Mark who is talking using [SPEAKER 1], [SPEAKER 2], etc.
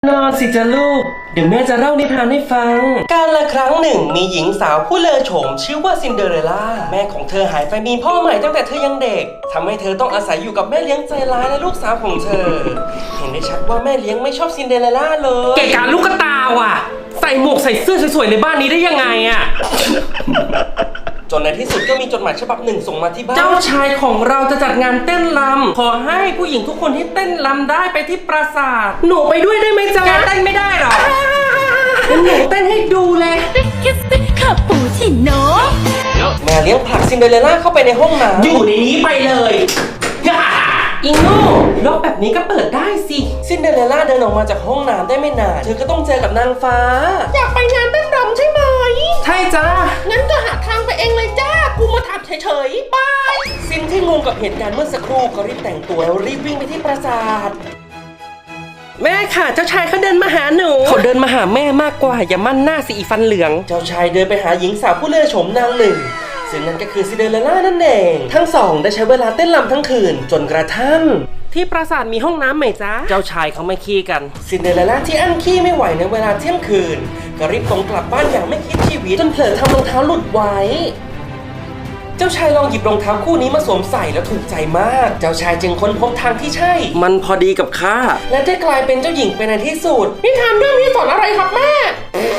[SPEAKER 1] นอนสิจ้ะลูกเดี๋ยวแม่จะเล่านิทานให้ฟังการละครั้งหนึ่งมีหญิงสาวผู้เลอโฉมชื่อว่าซินเดอเรลล่าแม่ของเธอหายไปมีพ่อใหม่ตั้งแต่เธอยังเด็กทำให้เธอต้องอาศัยอยู่กับแม่เลี้ยงใจร้ายและลูกสาวของเธอเห็นได้ชัดว่าแม่เลี้ยงไม่ชอบซินเดอเรลล่าเลย
[SPEAKER 2] เกะกะลูกตาว่ะใส่หมวกใส่เสื้อสวยๆในบ้านนี้ได้ยังไงอ่ะ
[SPEAKER 1] จนในที่สุดก็มีจดหมายฉบับหนึ่งส่งมาที่บ้าน
[SPEAKER 2] เจ้าชายของเราจะจัดงานเต้นรำขอให้ผู้หญิงทุกคนที่เต้นรำได้ไปที่ปราสาทหนูไปด้วยได้ไหมจ๊ะแกเต้นไม่ได้หรองั้นหนูเต้นให้ดูเลย
[SPEAKER 3] คิสซี่คาปูชิโน่
[SPEAKER 1] แม่เลี้ยงผลักซินเดอเรลล่าเข้าไปในห้องน้ำ
[SPEAKER 2] อยู่ในนี้ไปเลยย่าอิงโง่ล็อกแบบนี้ก็เปิดได้สิ
[SPEAKER 1] ซินเดอเรลล่าเดินออกมาจากห้องน้ำได้ไม่นานเธอก็ต้องเจอกับนางฟ้า
[SPEAKER 2] อยากไปงานเต้นรำใช่ไหมใช่จ้างั้นก็หาทางไปเองเลยจ้ากูมาถามเฉยๆบาย
[SPEAKER 1] ซินที่งงกับเหตุการณ์เมื่อสักครู่ก็รีบแต่งตัวแล้วรีบวิ่งไปที่ปราสาท
[SPEAKER 2] แม่ค่ะเจ้าชายเขาเดินมาหาหนูเขาเดินมาหาแม่มากกว่าอย่ามั่นหน้าสิอีฟันเหลือง
[SPEAKER 1] เจ้าชายเดินไปหาหญิงสาวผู้เลื่อโฉมนางหนึ่งซึ่งนั่นก็คือซินเดอเรลล่านั่นเองทั้งสองได้ใช้เวลาเต้นรำทั้งคืนจนกระทั่ง
[SPEAKER 2] ที่ปราสาทมีห้องน้ำไหมจ๊ะ
[SPEAKER 1] เจ้าชายเขาไม่ขี้กันซินเดอเรลล่าที่อั้นขี้ไม่ไหวในเวลาเที่ยงคืนก็รีบตรงกลับบ้านอย่างไม่คิดชีวิตจนเผลอทำรองเท้าหลุดไว้เจ้าชายลองหยิบรองเท้าคู่นี้มาสวมใส่แล้วถูกใจมากเจ้าชายจึงค้นพบทางที่ใช่
[SPEAKER 2] มันพอดีกับข้า
[SPEAKER 1] และได้กลายเป็นเจ้าหญิงไปในที่สุด
[SPEAKER 2] นิทานเรื่องนี้สอนอะไรครับแม่